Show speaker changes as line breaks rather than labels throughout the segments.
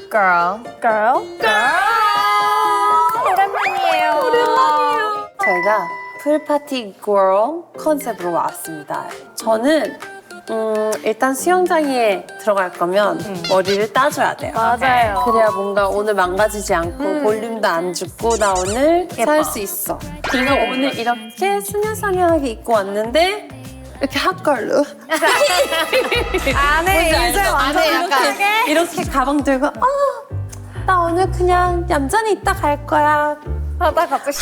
Girl.
오랜만이에요.
저희가 풀파티 girl 컨셉으로 왔습니다. 저는 일단 수영장에 들어갈 거면 머리를 따줘야 돼요.
맞아요.
그래야 뭔가 오늘 망가지지 않고 볼륨도 안 죽고 나 오늘 살 수 있어. 그리고 오늘 이렇게 스녀스녀하게 입고 왔는데 이렇게 핫걸로
안에 이제 완전
이렇게 가방 들고 나 오늘 그냥 얌전히 있다 갈 거야.
하다 갑자기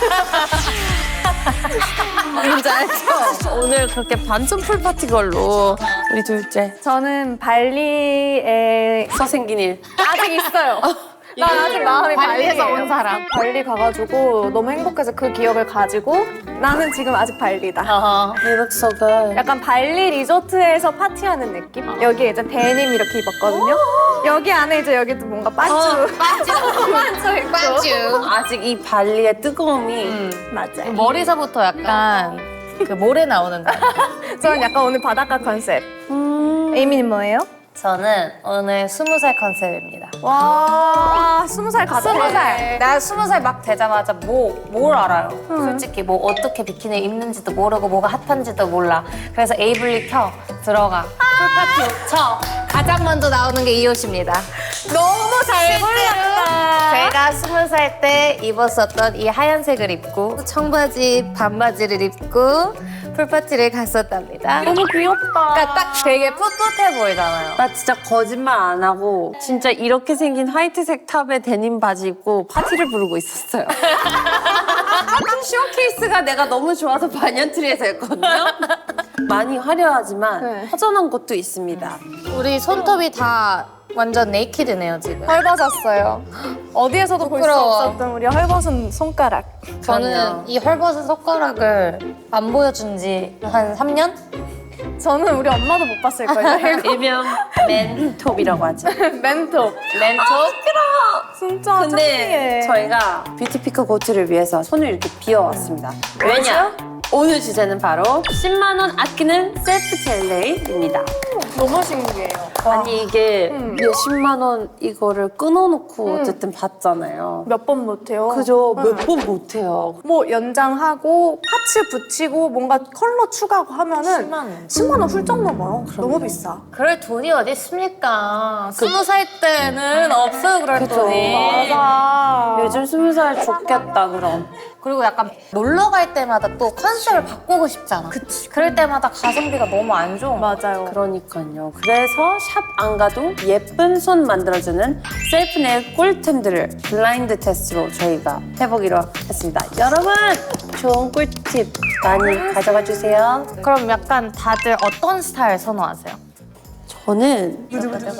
뭔지 알죠? 오늘 그렇게 반전 풀파티 걸로 우리 둘째
저는 발리에
서생긴 일.
아직 있어요. 나 아직 마음이
발리에서
발리예요.
온 사람.
발리 가가지고 너무 행복해서 그 기억을 가지고 나는 지금 아직 발리다.
You look so good.
약간 발리 리조트에서 파티하는 느낌? 여기 이제 데님 이렇게 입었거든요. 여기 안에 이제 여기도 뭔가 빠쭈 빠쭈 있고.
아직 이 발리의 뜨거움이
맞아요.
머리서부터 약간 그 모래 나오는 거.
저는 약간 오늘 바닷가 컨셉. 에이미는 뭐예요?
저는 오늘 20살 컨셉입니다.
와, 20살 같아.
20살. 나 20살 막 되자마자 뭘 알아요. 솔직히 뭐 어떻게 비키니 입는지도 모르고 뭐가 핫한지도 몰라. 그래서 에이블리 켜 들어가. 풀파티 옷 쳐. 가장 먼저 나오는 게 이 옷입니다.
너무 잘 골랐다.
제가 20살 때 입었었던 이 하얀색을 입고 청바지 반바지를 입고 풀파티를 갔었답니다.
너무 귀엽다.
그러니까 딱 되게 풋풋해 보이잖아요.
나 진짜 거짓말 안 하고 진짜 이렇게 생긴 화이트색 탑에 데님 바지 입고 파티를 부르고 있었어요. 쇼케이스가 내가 너무 좋아서 반얀트리에서 했거든요. 많이 화려하지만
네.
허전한 것도 있습니다.
우리 손톱이 다 완전 네이키드네요 지금.
헐벗었어요. 어디에서도 볼 수
부끄러워.
없었던 우리 헐벗은 손가락.
저는
그럼요.
이 헐벗은 손가락을 안 보여준 지 한 3년?
저는 우리 엄마도 못 봤을걸요.
일명 맨톱이라고 하죠.
멘톱.
멘톱?
진짜
근데
창피해.
저희가 뷰티피크 고트를 위해서 손을 이렇게 비워왔습니다. 왜냐? 오늘 주제는 바로 10만 원 아끼는 셀프 젤레입니다.
너무 신기해요.
아니 이게 몇 10만 원 이거를 끊어놓고 어쨌든 받잖아요.
몇 번 못해요.
그죠? 몇 번 못해요.
뭐 연장하고 파츠 붙이고 뭔가 컬러 추가하고 하면은
10만 원.
10만 원 훌쩍 넘어요. 너무 비싸.
그럴 돈이 어디 있습니까? 20살 때는 없어요 그럴 돈이.
맞아.
요즘 20살 좋겠다 그럼.
그리고 약간 놀러 갈 때마다 또 컨셉을 바꾸고 싶잖아.
그치.
그럴 때마다 가성비가 너무 안 좋은 거야.
맞아요.
그러니까요. 그래서 샵 안 가도 예쁜 손 만들어주는 셀프 네일 꿀템들을 블라인드 테스트로 저희가 해보기로 했습니다. 여러분 좋은 꿀팁 많이 가져가 주세요.
그럼 약간 다들 어떤 스타일 선호하세요?
저는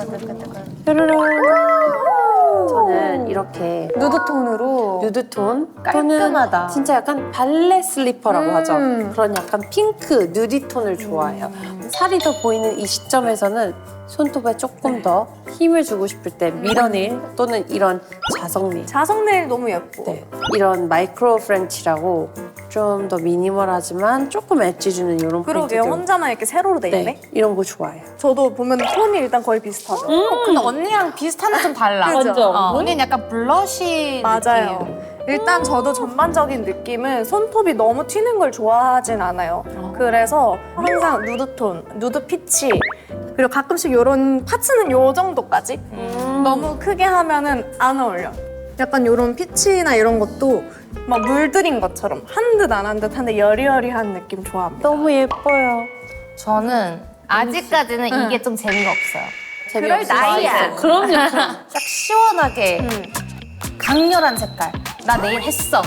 저는 이렇게
누드톤으로.
누드톤
깔끔하다.
또는 진짜 약간 발레 슬리퍼라고 하죠. 그런 약간 핑크 누디톤을 좋아해요. 살이 더 보이는 이 시점에서는 손톱에 조금 더 힘을 주고 싶을 때 미러네일 또는 이런 자석네일
자석 네일 너무 예뻐.
네, 이런 마이크로 프렌치라고 좀 더 미니멀하지만 조금 엣지 주는 이런
그러게요.
포인트들
혼자만 이렇게 세로로 돼 있네.
네, 이런 거 좋아해요.
저도 보면 톤이 일단 거의 비슷하죠.
근데 언니랑 비슷한데 좀 달라.
그죠? 완전.
언니는 약간 블러쉬
맞아요.
느낌.
일단 저도 전반적인 느낌은 손톱이 너무 튀는 걸 좋아하진 않아요. 그래서 항상 누드톤, 누드 피치, 그리고 가끔씩 이런 파츠는 요 정도까지. 너무 크게 하면은 안 어울려. 약간 이런 피치나 이런 것도 막 물들인 것처럼 한 듯 안 한 듯 한데 여리여리한 느낌 좋아합니다.
너무 예뻐요.
저는 아직까지는 이게 좀 재미가 없어요.
그럴 나이야.
그럼요.
딱 시원하게 강렬한 색깔. 나 내일 했어.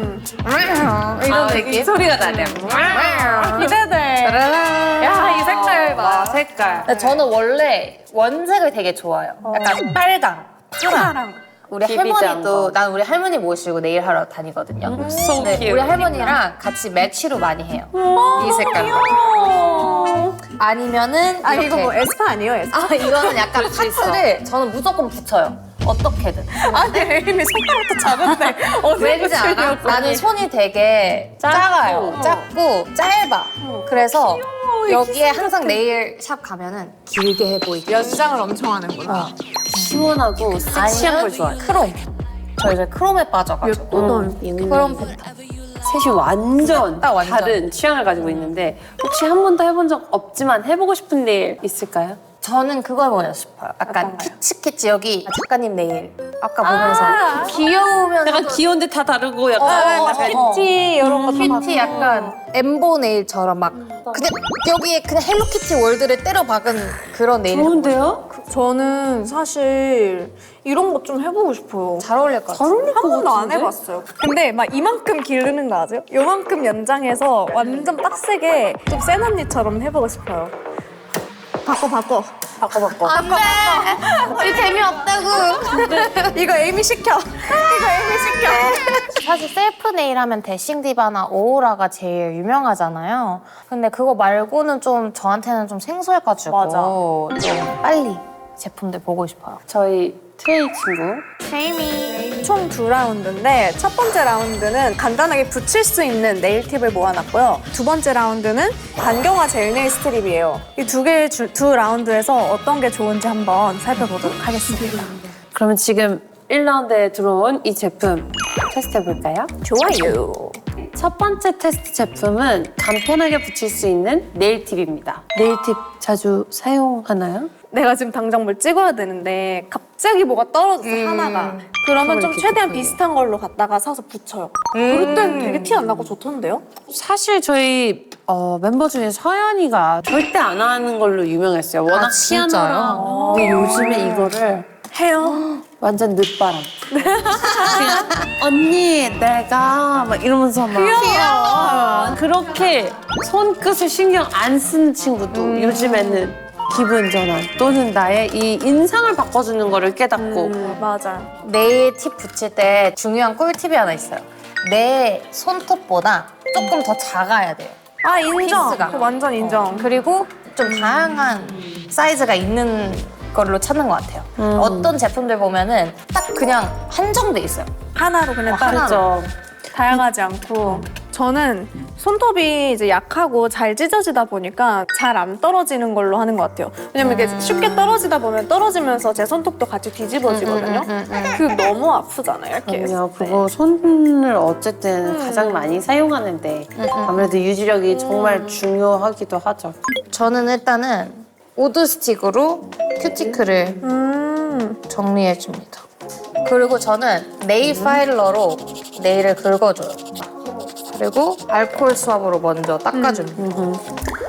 이런 느낌.
소리가 나네요.
기대돼. 야, 이 색깔 봐.
색깔.
근데 저는 원래 원색을 되게 좋아해요. 약간 빨강, 파랑. 우리
비비지한 거.
할머니도 난 우리 할머니 모시고 네일 하러 다니거든요.
so
근데
cute.
우리 할머니랑 같이 매치로 많이 해요. 이 색깔로. 아니면은
아,
이렇게.
이거 뭐 에스파 아니에요, 에스파?
아 이거는 약간 파츠를 저는 무조건 붙여요. 어떻게든.
아니, 이미 손가락도 작은데.
왠지 알아? 나는 손이 되게 작아요. 작고 짧아. 그래서 여기에 항상 네일 샵 가면은 길게 해 보이게.
연장을 엄청 하는구나.
시원하고 섹시한 걸 좋아해요.
크롬. 저 이제 크롬에 빠져가지고. 크롬 패턴.
셋이 완전
딱 완전.
다른 취향을 가지고 있는데 혹시 한 번도 해본 적 없지만 해보고 싶은 네일 있을까요?
저는 그거 해보고 싶어요. 약간 키치키치 여기 작가님 네일. 아까 보면서 귀여우면서
약간 귀여운데 다 다르고 약간
큐티 이런 거
큐티 약간 엠보 네일처럼 막 그냥 여기에 그냥 헬로키티 월드를 때려 박은 그런 네일.
좋은데요?
저는 사실 이런 거 좀 해보고 싶어요.
잘 어울릴 것 같아요.
한 번도 안 해봤어요. 근데 막 이만큼 기르는 거 아세요? 요만큼 연장해서 완전 빡세게 좀 센 언니처럼 해보고 싶어요. 바꿔.
안 돼! 우리 재미없다고!
이거 에이미 시켜.
사실 셀프 네일 하면 데싱 디바나 오로라가 제일 유명하잖아요. 근데 그거 말고는 좀 저한테는 좀 생소해가지고
맞아.
좀 빨리 제품들 보고 싶어요.
저희 트레이 친구
총 2라운드인데 첫 번째 라운드는 간단하게 붙일 수 있는 네일 팁을 모아놨고요. 두 번째 라운드는 반경화 젤 네일 스트립이에요. 이 두 라운드에서 어떤 게 좋은지 한번 살펴보도록 하겠습니다.
그러면 지금 1라운드에 들어온 이 제품 테스트해볼까요?
좋아요.
첫 번째 테스트 제품은 간편하게 붙일 수 있는 네일 팁입니다. 네일 팁 자주 사용하나요?
내가 지금 당장 뭘 찍어야 되는데 갑자기 뭐가 떨어졌어 하나가. 그러면 좀 최대한 비슷한 걸로 갖다가 사서 붙여요. 그럴 땐 되게 티 안 나고 좋던데요?
사실 저희 멤버 중에 서연이가 절대 안 하는 걸로 유명했어요. 워낙
진짜요?
피아노랑. 근데 요즘에 이거를
해요.
완전 늦바람. 그냥 언니 내가 막 이러면서 막 귀여워. 그렇게 손끝을 신경 안 쓰는 친구도 요즘에는 기분 전환 또는 나의 이 인상을 바꿔주는 거를 깨닫고
맞아.
네일 팁 붙일 때 중요한 꿀팁이 하나 있어요. 내 손톱보다 조금 더 작아야 돼요.
아 인정.
피스가.
그거 완전 인정.
그리고 좀 다양한 사이즈가 있는 걸로 찾는 것 같아요. 어떤 제품들 보면은 딱 그냥 한정돼 있어요.
하나로 그냥 딱
그렇죠.
다양하지 않고. 저는 손톱이 이제 약하고 잘 찢어지다 보니까 잘 안 떨어지는 걸로 하는 것 같아요. 왜냐면 이게 쉽게 떨어지다 보면 떨어지면서 제 손톱도 같이 뒤집어지거든요. 그거 너무 아프잖아요. 이렇게.
그럼요. 그거 손을 어쨌든 가장 많이 사용하는데 아무래도 유지력이 정말 중요하기도 하죠.
저는 일단은 우드 스틱으로 큐티클을 정리해줍니다. 그리고 저는 네일 파일러로 네일을 긁어줘요. 그리고 알코올 수압으로 먼저 닦아줍니다.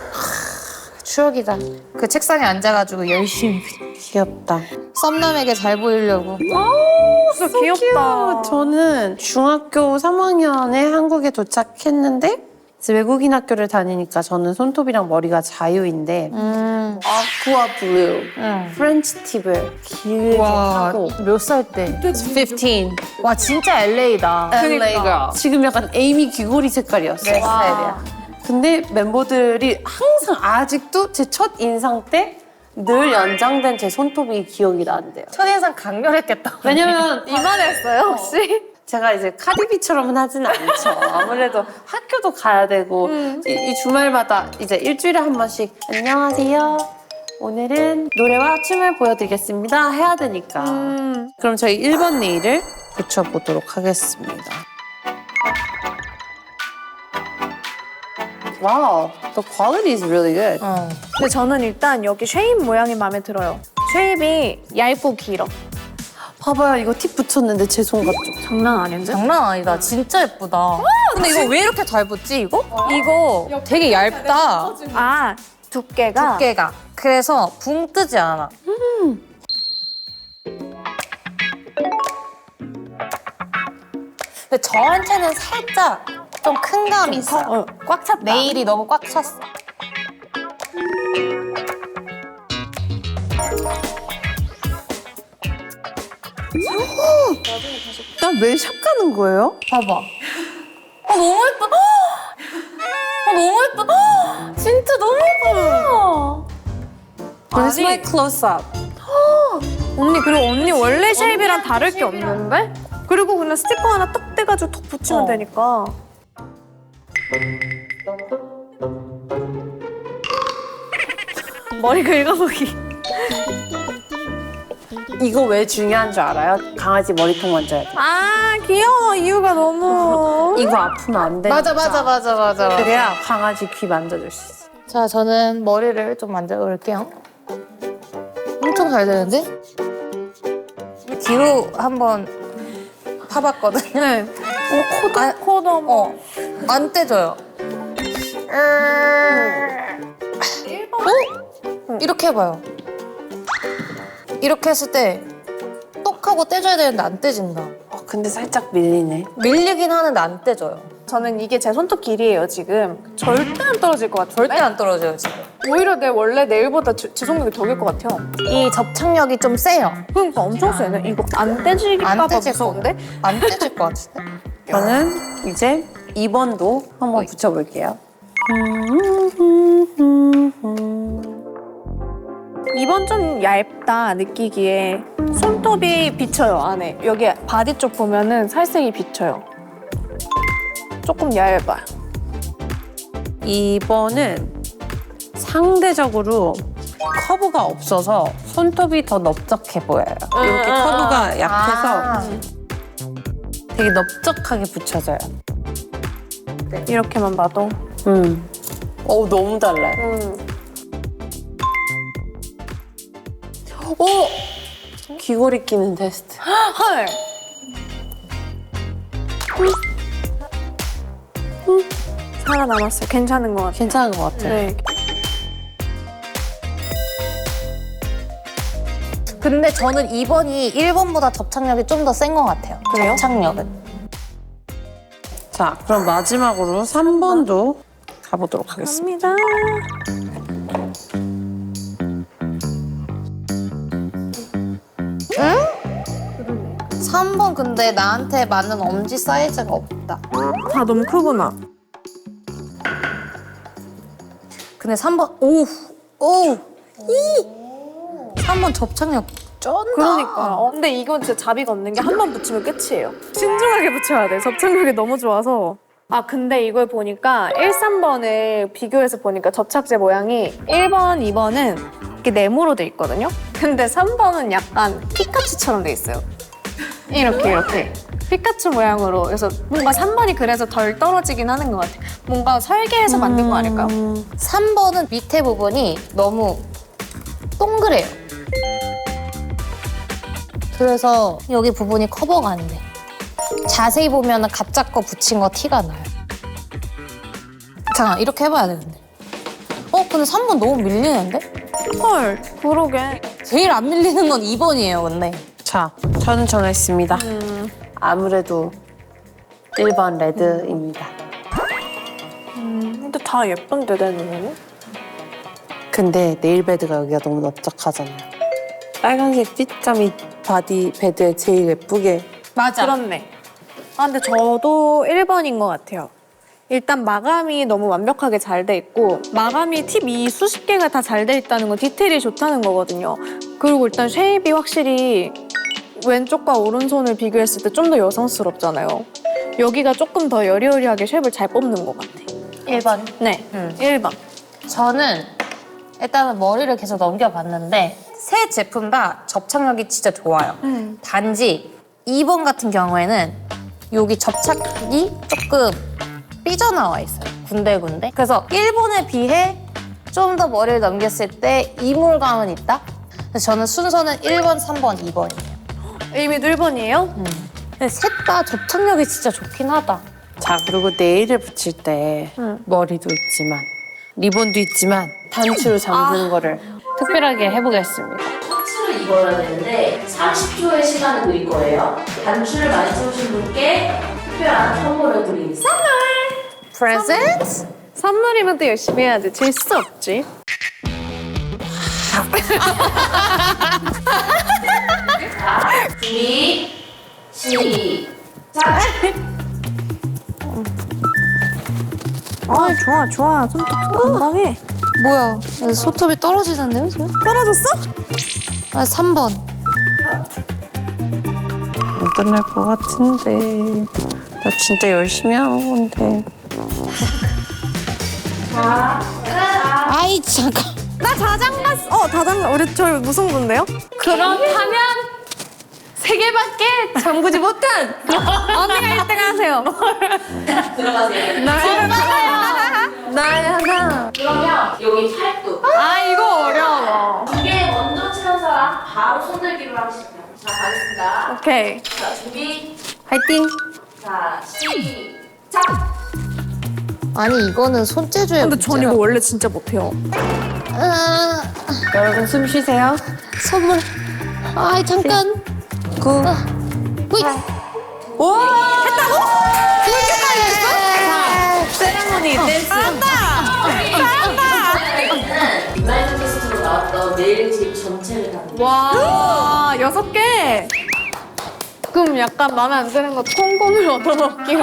추억이다. 그 책상에 앉아가지고 열심히
귀엽다.
썸남에게 잘 보이려고.
진짜 귀엽다.
저는 중학교 3학년에 한국에 도착했는데 이제 외국인 학교를 다니니까 저는 손톱이랑 머리가 자유인데 아쿠아 블루, 프렌치 팁을 길게 하고
몇 살 때? 15. 와 진짜 LA다.
LA girl. 지금 약간 에이미 귀고리 색깔이었어요.
내 스타일이야.
근데 멤버들이 항상 아직도 제 첫 인상 때 늘 연장된 제 손톱이 기억이 나는데요.
첫인상 강렬했겠다.
왜냐면
이만했어요 혹시?
제가 이제 카디비처럼은 하진 않죠. 아무래도 학교도 가야 되고 이 주말마다 이제 일주일에 한 번씩 안녕하세요. 오늘은 노래와 춤을 보여드리겠습니다. 해야 되니까. 그럼 저희 1번 네일을 붙여보도록 하겠습니다. 와우, the quality is really good.
근데 저는 일단 여기 쉐입 모양이 마음에 들어요. 쉐입이 얇고 길어.
봐봐요, 이거 팁 붙였는데 제 손 같죠?
장난 아닌데?
장난 아니다. 진짜 예쁘다. 근데 이거 왜 이렇게 잘 붙지 이거? 이거 되게 얇다.
아 두께가?
두께가. 그래서 붕 뜨지 않아. 근데 저한테는 살짝 좀 큰 감이 있어요.
꽉 찼다.
네일이 너무 꽉 찼어.
나 왜 샵 가는 거예요?
봐봐. 너무 예뻐. 너무 예뻐. 진짜 너무 예뻐.
Where's my close-up?
언니 그리고 언니 원래 쉐입이랑 다를 게 없는데? 그리고 그냥 스티커 하나 딱 떼가지고 톡 붙이면 되니까. 머리 긁어보기.
이거 왜 중요한 줄 알아요? 강아지 머리통 만져야 돼.
아 귀여워. 이유가 너무.
이거 아프면 안 돼.
맞아.
그래야 강아지 귀 만져줄 수 있어.
자, 저는 머리를 좀 만들어 볼게요. 엄청 잘 되는데? 뒤로 한번 파봤거든요.
네. 코도 한번.
안 떼져요. 이렇게 해봐요. 이렇게 했을 때 똑 하고 떼줘야 되는데 안 떼진다.
근데 살짝 밀리네.
밀리긴 하는데 안 떼져요.
저는 이게 제 손톱 길이에요 지금. 절대 안 떨어질 것 같아요.
절대 안 떨어져요, 지금.
오히려 내 원래 네일보다 지속력이 더 길 것 같아요.
이 접착력이 좀 세요.
그러니까 엄청 세네. 이거 안 떼질까 봐 무서운데?
안 떼질 것 같은데?
저는 이제 2번도 한번 붙여볼게요.
2번 좀 얇다 느끼기에 손톱이 비쳐요 안에. 여기 바디 쪽 보면은 살색이 비쳐요. 조금 얇아요.
2번은 상대적으로 커브가 없어서 손톱이 더 넓적해 보여요. 이렇게 커브가 약해서 되게 넓적하게 붙여져요.
이렇게만 봐도.
너무 달라요. 오! 귀걸이 끼는 테스트.
헐. 살아남았어요. 괜찮은 것 같아요.
괜찮은 것 같아요.
네.
근데 저는 2번이 1번보다 접착력이 좀 더 센 것 같아요.
그래요?
접착력은.
자, 그럼 마지막으로 3번도 가보도록 하겠습니다.
갑니다.
3번 근데 나한테 맞는 엄지 사이즈가 없다.
다 너무 크구나.
근데 3번, 오! 3번 접착력 쩐다.
그러니까. 근데 이건 진짜 자비가 없는 게 한 번 붙이면 끝이에요. 신중하게 붙여야 돼. 접착력이 너무 좋아서. 아 근데 이걸 보니까 1, 3번을 비교해서 보니까 접착제 모양이 1번, 2번은 이렇게 네모로 돼 있거든요. 근데 3번은 약간 피카츄처럼 돼 있어요. 이렇게 피카츄 모양으로. 그래서 뭔가 3번이 그래서 덜 떨어지긴 하는 것 같아요. 뭔가 설계해서 만든 거 아닐까요?
3번은 밑에 부분이 너무 동그래요. 그래서 여기 부분이 커버가 안 돼. 자세히 보면 가짜 거 붙인 거 티가 나요. 잠깐 이렇게 해봐야 되는데. 근데 3번 너무 밀리는데?
헐, 그러게.
제일 안 밀리는 건 2번이에요, 근데.
자, 저는 정했습니다. 아무래도 1번 레드입니다.
근데 다 예쁜데, 내 눈에는?
근데 네일베드가 여기가 너무 넓적하잖아요. 빨간색 핏감이 바디 베드에 제일 예쁘게.
맞아.
그렇네. 아, 근데 저도 1번인 것 같아요. 일단 마감이 너무 완벽하게 잘 돼 있고, 마감이 팁이 수십 개가 다 잘 돼 있다는 건 디테일이 좋다는 거거든요. 그리고 일단 쉐입이 확실히 왼쪽과 오른손을 비교했을 때 좀 더 여성스럽잖아요. 여기가 조금 더 여리여리하게 쉐입을 잘 뽑는 것 같아.
1번.
네, 1번.
저는 일단은 머리를 계속 넘겨봤는데 새 제품 다 접착력이 진짜 좋아요. 단지 2번 같은 경우에는 여기 접착이 조금 삐져나와 있어요. 군데군데. 그래서 1번에 비해 좀 더 머리를 넘겼을 때 이물감은 있다? 그래서 저는 순서는 1번, 3번, 2번이에요.
이미도 1번이에요?
근데 셋 다 접착력이 진짜 좋긴 하다.
자, 그리고 네일을 붙일 때 머리도 있지만 리본도 있지만 단추를 잠그는 거를 특별하게 해보겠습니다.
셔츠를 입어야 되는데 30초의 시간을 드릴 거예요. 단추를 많이 채우신 분께 특별한 선물을 드리겠습니다.
프레젠트?
선물이면 또 열심히 해야지. 질 수 없지.
준비, 시작!
아, 좋아. 손톱 건강해.
뭐야? 손톱이 떨어지는데요, 지금?
떨어졌어?
3번.
안 끝날 것 같은데. 나 진짜 열심히 하는 건데.
아이, 잠깐.
나 자장가. 자장가. 우리 저 무슨 분데요?
그렇다면
개밖에 잠그지 못한
언니가 1등 하세요.
들어가세요.
나야 나.
그러면 여기 팔뚝.
아, 이거 어려워.
두 개 먼저 치는 사람 바로 손들기로 하시죠. 자, 가겠습니다.
오케이.
자, 준비.
파이팅.
자, 시작.
아니 이거는 손재주의
근데 전 이거 원래 진짜 못해요.
여러분 숨 쉬세요.
선물. 아이 잠깐.
9.
굿.
와.
했다고?
세레모니 댄스.
블라인드 테스트로 나왔던 네일팁 전체를 다
와, 6개. 그럼 약간 마음에 안 드는 거 콩고물 얻어먹기로.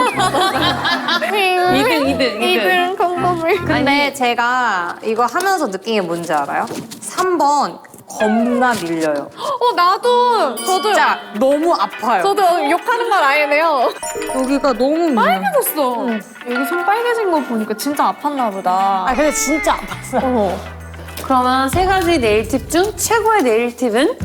2등 콩고물.
근데 제가 이거 하면서 느낀 게 뭔지 알아요? 3번 겁나 밀려요.
나도. 저도요.
진짜 너무 아파요.
저도 욕하는 말 아니네요.
여기가 너무 밀려.
빨개졌어. 여기 손 빨개진 거 보니까 진짜 아팠나 보다.
아 근데 진짜 아팠어.
그러면 세 가지 네일 팁 중 최고의 네일 팁은?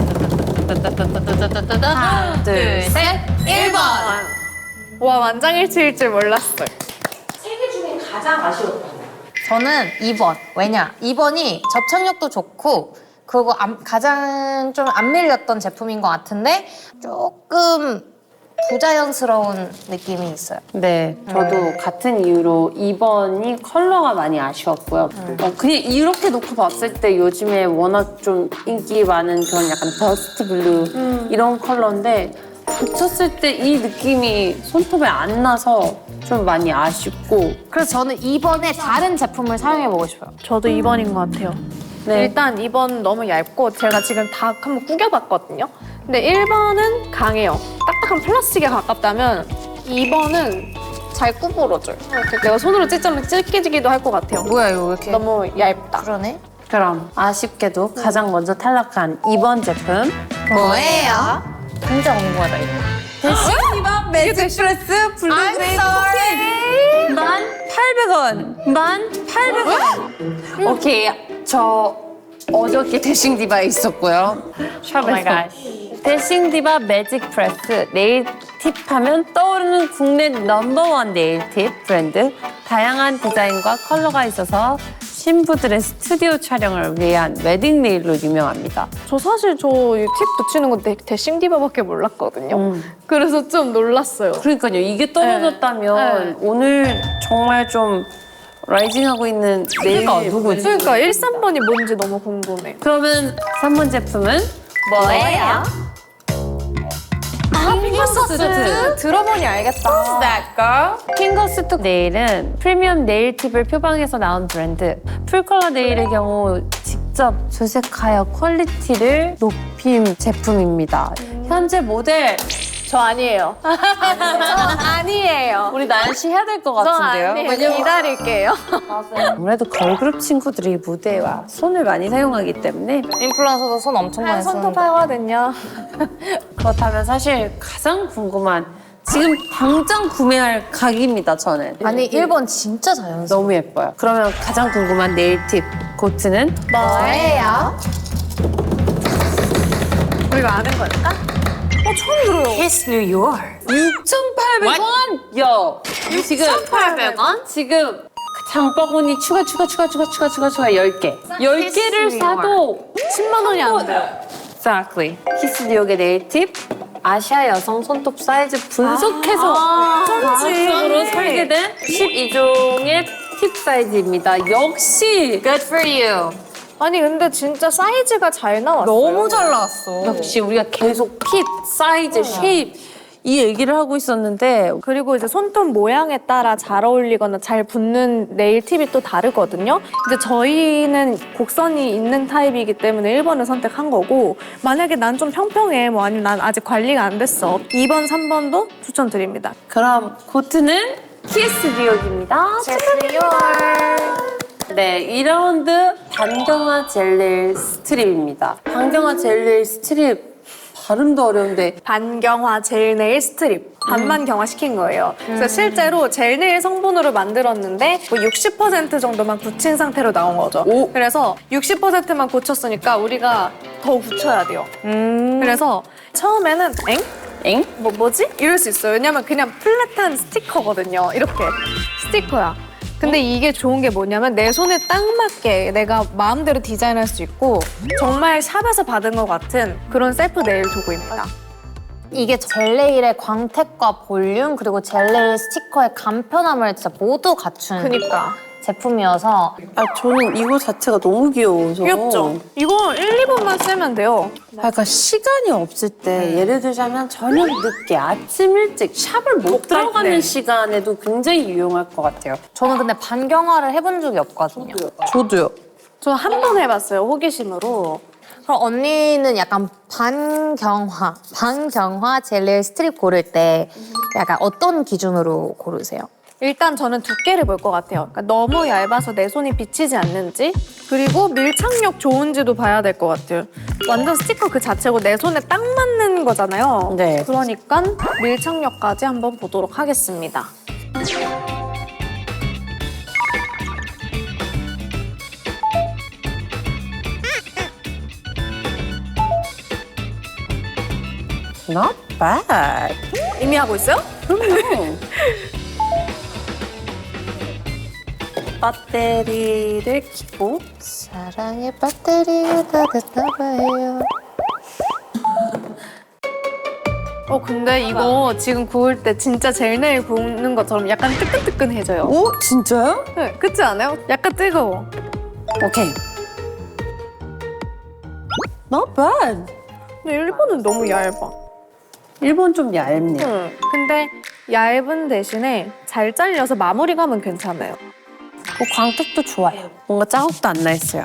하나, 둘, 셋, 1번.
와, 만장일치일 줄 몰랐어요.
세 개 중에 가장 아쉬웠던 거.
저는 2번. 왜냐? 2번이 접착력도 좋고 그리고 가장 좀 안 밀렸던 제품인 것 같은데 조금 부자연스러운 느낌이 있어요.
네, 저도 같은 이유로 2번이 컬러가 많이 아쉬웠고요. 그냥 이렇게 놓고 봤을 때 요즘에 워낙 좀 인기 많은 그런 약간 더스트 블루 이런 컬러인데 붙였을 때 이 느낌이 손톱에 안 나서 좀 많이 아쉽고
그래서 저는 2번에 다른 제품을 사용해보고 싶어요.
저도 2번인 것 같아요.
네.
일단 2번 너무 얇고 제가 지금 다 한번 구겨봤거든요. 근데 1번은 강해요. 딱딱한 플라스틱에 가깝다면 2번은 잘 구부러져요. 이렇게 내가 손으로 찢자면 찢기지기도 할 것 같아요.
뭐야 이거 왜 이렇게
너무 얇다.
그러네?
그럼 아쉽게도 가장 먼저 탈락한 2번 제품
뭐예요? 진짜 궁금하다 이거.
데시디바 매직 프레스 블루그레이 코팅 1,800원 1,800원 오케이 저 어저께 데싱디바에 있었고요 샵에서 데싱디바 매직 프레스 네일 팁 하면 떠오르는 국내 넘버원 네일 팁 브랜드 다양한 디자인과 컬러가 있어서 신부들의 스튜디오 촬영을 위한 웨딩 네일로 유명합니다.
저 사실 저 이 팁 붙이는 거 데싱디바밖에 몰랐거든요. 그래서 좀 놀랐어요.
그러니까요. 이게 떨어졌다면 오늘 정말 좀 라이징하고 있는 네일가 누구지?
그러니까 1, 3번이 뭔지 너무 궁금해.
그러면 3번 제품은
뭐예요?
핑거스트.
들어보니 알겠다.
That girl?
핑거스트 네일은 프리미엄 네일 팁을 표방해서 나온 브랜드. 풀컬러 네일의 경우 직접 조색하여 퀄리티를 높인 제품입니다. 현재 모델
저 아니에요. 저 아니에요.
우리 나연 씨 해야 될 것
저
같은데요?
아니에요. 기다릴게요.
아무래도 걸그룹 친구들이 무대와 손을 많이 사용하기 때문에
인플루언서도 손 엄청 많이
손톱
쓰는데.
하거든요.
그렇다면 사실 가장 궁금한 지금 당장 구매할 각입니다, 저는.
아니 1번 진짜 자연스러워.
너무 예뻐요. 그러면 가장 궁금한 네일 팁 고트는
뭐예요?
우리가 아는 걸까? 처음 들어요.
Kiss New York.
6,800원! 요! 지금
6,800원?
지금 장바구니 추가 10개. 10개를 사도
10만 원이 안 돼요.
Exactly. 키스 뉴욕의 네일 팁. 아시아 여성 손톱 사이즈 분석해서 과학적으로 설계된 12종의 팁 사이즈입니다. 역시
Good for you.
아니 근데 진짜 사이즈가 잘 나왔어요.
너무 잘 나왔어.
역시 우리가 계속 핏, 사이즈, 쉐입 이 얘기를 하고 있었는데
그리고 이제 손톱 모양에 따라 잘 어울리거나 잘 붙는 네일 팁이 또 다르거든요. 이제 저희는 곡선이 있는 타입이기 때문에 1번을 선택한 거고 만약에 난 좀 평평해 뭐 아니면 난 아직 관리가 안 됐어 2번, 3번도 추천드립니다.
그럼 고트는 키스 뉴욕입니다. 네, 2라운드 반경화 젤 네일 스트립입니다. 반경화 젤 네일 스트립 발음도 어려운데.
반경화 젤 네일 스트립 반만 경화시킨 거예요. 그래서 실제로 젤 네일 성분으로 만들었는데 뭐 60% 정도만 굳힌 상태로 나온 거죠.
오.
그래서 60%만 고쳤으니까 우리가 더 굳혀야 돼요. 그래서 처음에는
엥?
뭐지? 이럴 수 있어요. 왜냐면 그냥 플랫한 스티커거든요. 이렇게 스티커야. 근데 이게 좋은 게 뭐냐면 내 손에 딱 맞게 내가 마음대로 디자인할 수 있고 정말 샵에서 받은 것 같은 그런 셀프 네일 도구입니다.
이게 젤네일의 광택과 볼륨 그리고 젤네일 스티커의 간편함을 진짜 모두 갖춘
그니까.
제품이어서
아, 저는 이거 자체가 너무 귀여워서.
귀엽죠? 이거 1, 2번만 쓰면 돼요.
그러니까 시간이 없을 때 예를 들자면 저녁 늦게 아침 일찍 샵을 못
갈
들어가는
때.
시간에도 굉장히 유용할 것 같아요.
저는 근데 반경화를 해본 적이 없거든요.
저도요.
저 한 번 해봤어요, 호기심으로.
그럼 언니는 약간 반경화 젤네일 스트립 고를 때 약간 어떤 기준으로 고르세요?
일단 저는 두께를 볼 것 같아요. 그러니까 너무 얇아서 내 손이 비치지 않는지, 그리고 밀착력 좋은지도 봐야 될 것 같아요. 완전 스티커 그 자체고 내 손에 딱 맞는 거잖아요.
네.
그러니까 밀착력까지 한번 보도록 하겠습니다.
Not bad.
이미 하고 있어요?
그럼요. 배터리를 켜고
사랑의 배터리가 다 됐나 봐요.
근데 이거 지금 구울 때 진짜 젤네일 구우는 것처럼 약간 뜨끈뜨끈해져요.
오? 진짜요?
네, 그렇지 않아요? 약간 뜨거워.
오케이. Not bad.
근데 일본은 너무 얇아.
일본 좀 얇네요.
근데 얇은 대신에 잘 잘려서 마무리감은 괜찮아요.
광택도 좋아요. 뭔가 자국도 안 나 있어요.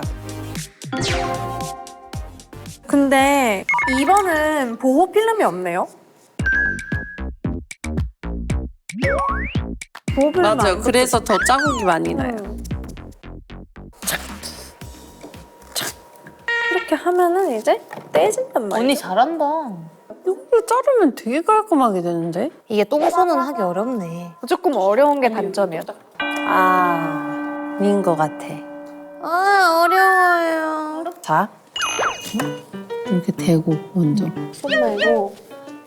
근데 2번은 보호 필름이 없네요. 보호 필름
맞아요. 그래서 더 자국이 많이 나요.
이렇게 하면은 이제 떼진단 말이에요.
언니 잘한다.
여기를 자르면 되게 깔끔하게 되는데?
이게 똥손은 하기 어렵네.
조금 어려운 게 단점이에요.
인 것 같아.
어려워요.
자. 이렇게 대고, 먼저.
손 말고.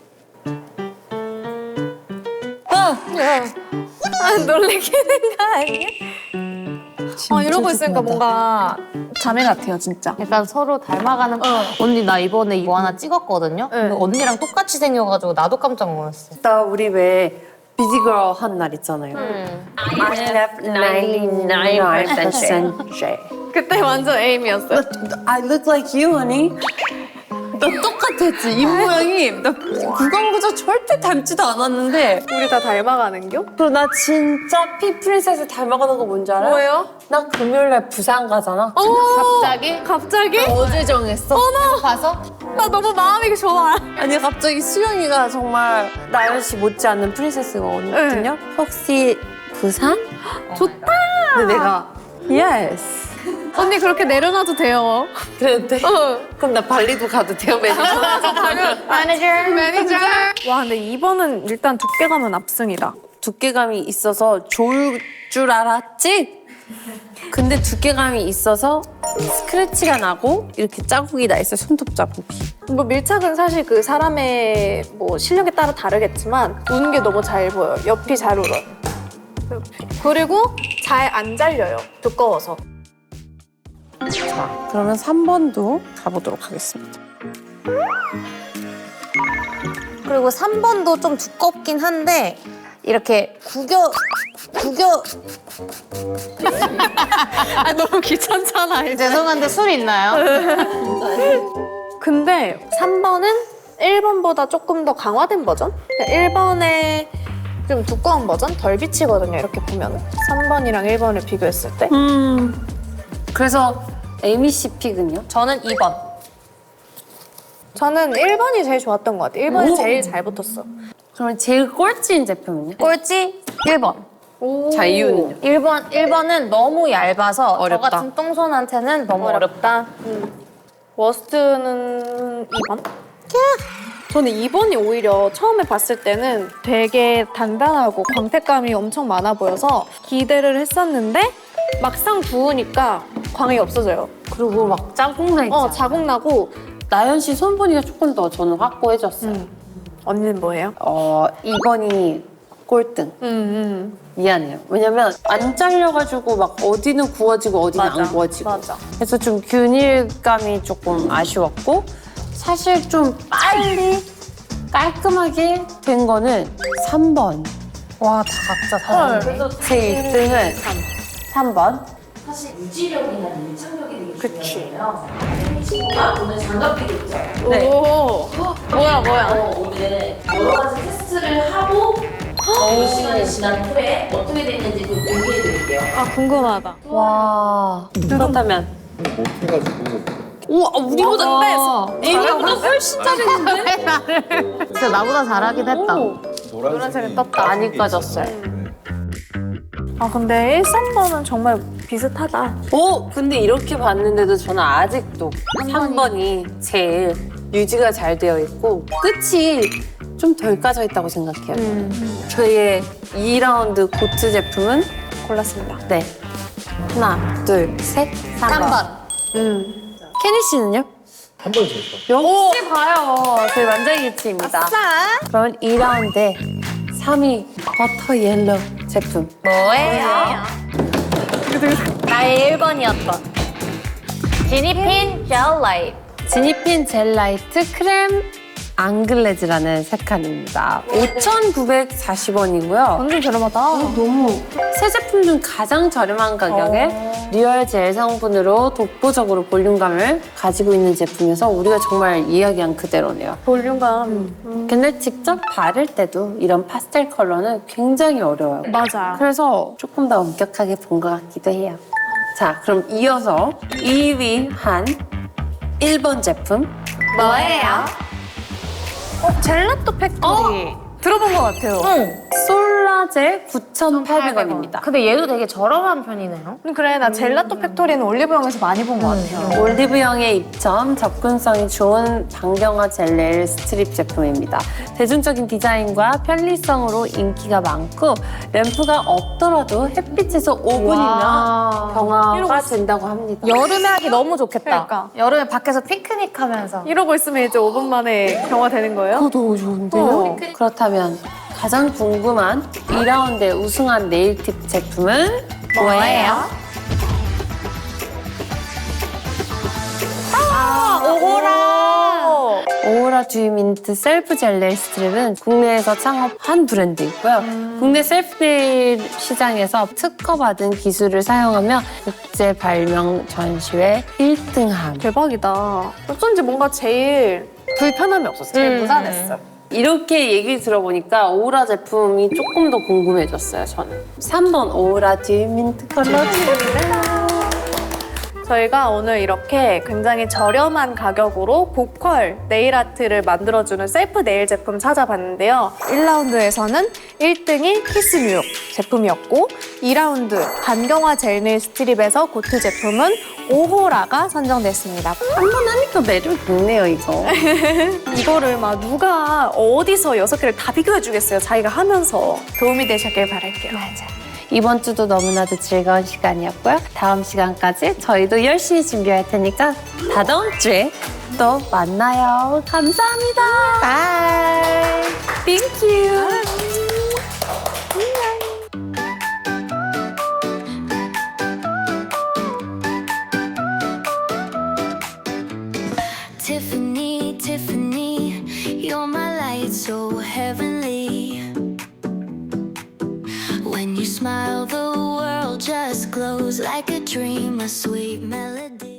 놀래키는 거 아니야? 이러고 있으니까 뭔가 자매 같아요, 진짜.
약간 서로 닮아가는. 언니 나 이번에 이거 하나 찍었거든요. 근데 언니랑 똑같이 생겨가지고 나도 깜짝 놀랐어.
나 우리 왜 비디걸 한 날 있잖아요. I have 99%
그때 완전 에임이었어요.
I look like you, honey. 나 똑같았지. 입 모양이. 나 구강구조 절대 닮지도 않았는데.
우리 다 닮아가는겨?
그리고 나 진짜 피프린세스 닮아가는 거 뭔지 알아?
뭐예요?
나 금요일날 부산 가잖아.
갑자기?
갑자기?
어제 정했어.
가서?
나 너무 마음이 좋아.
아니 갑자기 수영이가 정말 나연 씨 못지않는 프린세스거든요. 혹시 부산?
좋다.
근데 내가 yes.
언니 그렇게 내려놔도 돼요.
그랬는데 그럼 나 발리도 가도 돼요 매니저?
매니저. 와 근데 2번은 일단 두께감은 압승이다.
두께감이 있어서 좋을 줄 알았지? 근데 두께감이 있어서 스크래치가 나고 이렇게 자국이 나 있어요. 손톱 자국이.
뭐 밀착은 사실 그 사람의 뭐 실력에 따라 다르겠지만 우는 게 너무 잘 보여요. 옆이 잘 울어요. 그리고 잘 안 잘려요. 두꺼워서.
자, 그러면 3번도 가보도록 하겠습니다.
그리고 3번도 좀 두껍긴 한데 이렇게 구겨
너무 귀찮잖아 이제.
죄송한데 술 있나요?
근데 3번은 1번보다 조금 더 강화된 버전? 1번에 좀 두꺼운 버전? 덜 비치거든요, 이렇게 보면. 3번이랑 1번을 비교했을 때.
그래서 에이미 씨 픽은요?
저는 2번.
저는 1번이 제일 좋았던 것 같아요. 1번이 제일 잘 붙었어.
그러면 제일 꼴찌인 제품은요?
꼴찌 1번.
자, 이유는요?
1번은 너무 얇아서
어렵다.
저 같은 똥손한테는 너무 어렵다.
워스트는 2번? 저는 이번이 오히려 처음에 봤을 때는 되게 단단하고 광택감이 엄청 많아 보여서 기대를 했었는데 막상 부으니까 광이 없어져요.
그리고 막 자국나 있지.
자국 나고.
나연 씨 손보니가 조금 더 저는 확고해졌어요.
언니는 뭐예요?
이번이 꼴등. 미안해요. 왜냐면 안 잘려가지고 막 어디는 구워지고 어디는 안 구워지고.
맞아.
그래서 좀 균일감이 조금 아쉬웠고 사실 좀 빨리 깔끔하게 된 거는 3번.
와, 다 각자 다르네.
그래서 제 1등은 3번.
사실 유지력이나 밀착력이 되게 중요해요. 친구가 오늘 장갑 끼고 있죠.
네.
오. 뭐야.
오늘 여러 가지 테스트를 하고 몇 시간이 지난 후에 어떻게 됐는지 좀 공개해 드릴게요.
아, 궁금하다.
와. 그렇다면.
못해가지고
우와, 우리보다 애기보다 훨씬 잘했는데?
진짜 나보다 잘하긴 했다.
노란색이
많이 까졌어요.
아, 근데 1, 3번은 정말 비슷하다.
근데 이렇게 봤는데도 저는 아직도 3번이 제일 유지가 잘 되어 있고 끝이 좀 덜 까져 있다고 생각해요. 저희의 2라운드 고트 제품은
골랐습니다.
네. 하나, 둘, 셋, 3번. 케니 씨는요?
한 번에 제일 좋아.
역시 봐요. 저희 완전일치입니다. 그러면 2라운드에 3위 버터 옐로우 제품.
뭐예요? 나의 1번이었던 지니핀 젤 라이트.
지니핀 젤 라이트 크렘 앙글레즈라는 색깔입니다. 5,940원이고요.
완전 저렴하다.
너무 새 제품 중 가장 저렴한 가격에 리얼 젤 성분으로 독보적으로 볼륨감을 가지고 있는 제품이어서 우리가 정말 이야기한 그대로네요.
볼륨감.
근데 직접 바를 때도 이런 파스텔 컬러는 굉장히 어려워요.
맞아.
그래서 조금 더 엄격하게 본 것 같기도 해요. 자, 그럼 이어서 2위 한 1번 제품.
뭐예요?
젤라또 팩토리. 들어본 것 같아요.
솔라젤 9,800원입니다.
근데 얘도 되게 저렴한 편이네요.
그래, 나 젤라또 팩토리는 올리브영에서 많이 본 것 같아요.
올리브영의 입점, 접근성이 좋은 반경화 젤 네일 스트립 제품입니다. 대중적인 디자인과 편리성으로 인기가 많고 램프가 없더라도 햇빛에서 5분이면 경화가 된다고 합니다.
여름에 하기 너무 좋겠다.
그러니까.
여름에 밖에서 피크닉 하면서.
이러고 있으면 이제 5분 만에 경화되는 거예요?
그거 너무 좋은데요? 그렇다면 가장 궁금한 2라운드에 우승한 네일팁 제품은 뭐예요? 오호라 듀 민트 셀프 젤 네일 스트립은 국내에서 창업한 브랜드이고요. 국내 셀프 네일 시장에서 특허받은 기술을 사용하며 국제 발명 전시회 1등함.
대박이다. 어쩐지 뭔가 제일 불편함이 없었어요. 제일 무난했어요.
이렇게 얘기를 들어보니까 오호라 제품이 조금 더 궁금해졌어요, 저는. 3번 오호라 듀 민트 컬러.
저희가 오늘 이렇게 굉장히 저렴한 가격으로 고퀄 네일 아트를 만들어주는 셀프 네일 제품 찾아봤는데요. 1라운드에서는 1등이 키스 뉴욕 제품이었고 2라운드 반경화 젤 네일 스트립에서 고트 제품은 오호라가 선정됐습니다.
한 번 하니까 매력 있네요, 이거.
이거를 막 누가 어디서 6개를 다 비교해주겠어요. 자기가 하면서 도움이 되셨길 바랄게요.
이번 주도 너무나도 즐거운 시간이었고요. 다음 시간까지 저희도 열심히 준비할 테니까 다다음 주에 또 만나요. 감사합니다. 바이. 땡큐.
Tiffany, Tiffany, you're my light so heavenly. When you smile, the world just glows like a dream, a sweet melody.